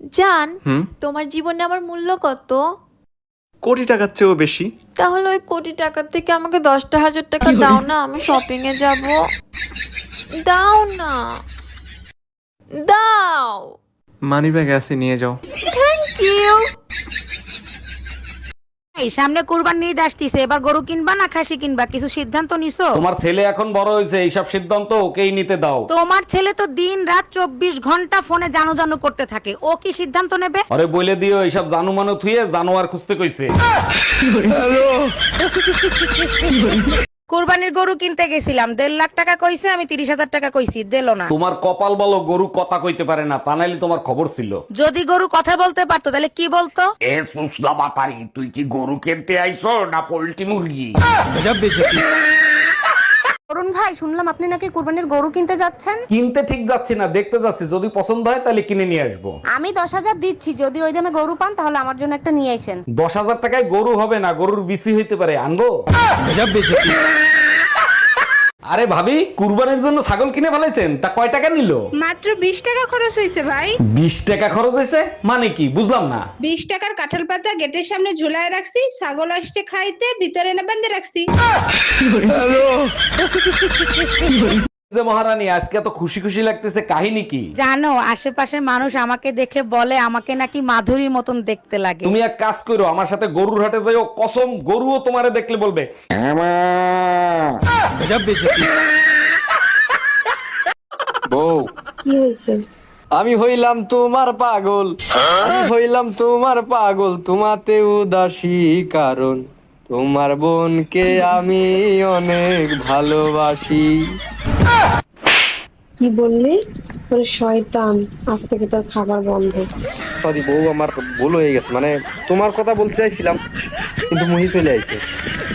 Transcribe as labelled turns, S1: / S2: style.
S1: জান, তোমার জীবনে আমার মূল্য কত?
S2: কোটি টাকার চেয়েও বেশি।
S1: তাহলে ওই কোটি টাকার থেকে আমাকে 10,000 টাকা দাও না, আমি শপিং এ যাব। দাও না, দাও।
S2: মানি ব্যাগ আছে, নিয়ে যাও।
S1: Thank you.
S3: এই সামনে কুরবানির ঈদ আসতিছে, এবার গরু কিনবা না খাসি কিনবা, কিছু সিদ্ধান্ত নিছো?
S4: তোমার ছেলে এখন বড় হয়েছে, এইসব সিদ্ধান্ত ওকেই নিতে দাও।
S3: তোমার ছেলে তো দিন রাত 24 ঘন্টা ফোনে জানু জানু করতে থাকে, ও কি সিদ্ধান্ত নেবে?
S4: আরে বলে দিও এইসব জানু মানু থুয়ে জানোয়ার খুঁজতে কইছে।
S3: কুরবানির গরু কিনতে গেছিলাম, 1.5 লাখ টাকা কইছে, আমি 30,000 টাকা কইছি, দিলো না।
S4: তোমার কপাল বলো গরু কথা কইতে পারে না, তা নাইলে তোমার খবর ছিল।
S3: যদি গরু কথা বলতে পারতো তাহলে কি বলতো?
S4: এ সুসলা বাতারি, তুই কি গরু কিনতে আইছো না পোল্ট্রি মুরগি?
S3: অরুণ ভাই, শুনলাম আপনি নাকি কুরবানির গরু কিনতে যাচ্ছেন।
S4: কিনতে ঠিক যাচ্ছি না, দেখতে যাচ্ছি, যদি পছন্দ হয় তাহলে কিনে নিয়ে আসবো।
S3: আমি 10,000 দিচ্ছি, যদি ওই দামে গরু পান তাহলে আমার জন্য একটা নিয়ে আসেন।
S4: 10,000 টাকায় গরু হবে না, গরুর বিসি হইতে পারে, আনবো? আরে ভাবি, কুরবানির জন্য ছাগল কিনে ফেলাইছেন, তা কয় টাকা নিল?
S5: মাত্র 20 টাকা খরচ হয়েছে ভাই।
S4: 20 টাকা খরচ হয়েছে মানে কি, বুঝলাম না।
S5: 20 টাকার কাঁঠাল পাতা গেটের সামনে ঝুলায় রাখছি, ছাগল আসছে খাইতে, ভিতরে এনে বেঁধে রাখছি।
S4: যে মহারানী, আজকে তো খুশি খুশি লাগতেছে, কাহিনী কি?
S3: জানো, আশেপাশের মানুষ আমাকে দেখে বলে আমাকে নাকি মাধুরীর মতন দেখতে লাগে।
S4: তুমি এক কাজ করো, আমার সাথে গরুর হাটে যাইও, কসম গরুও তোমারে দেখলে বলবে
S6: বউ,
S7: কি হয়েছে?
S6: আমি হইলাম তোমার পাগল, আমি হইলাম তোমার পাগল, তোমাতে উদাসী কারণ তোমার বোনকে আমি অনেক ভালোবাসি।
S7: কি বললি? তোর শয়তান, আজ থেকে তোর খাবার বন্ধ।
S6: সরি বউ, আমার ভুল হয়ে গেছে, মানে তোমার কথা বলতে চাইছিলাম কিন্তু মুহি চলে আইছে।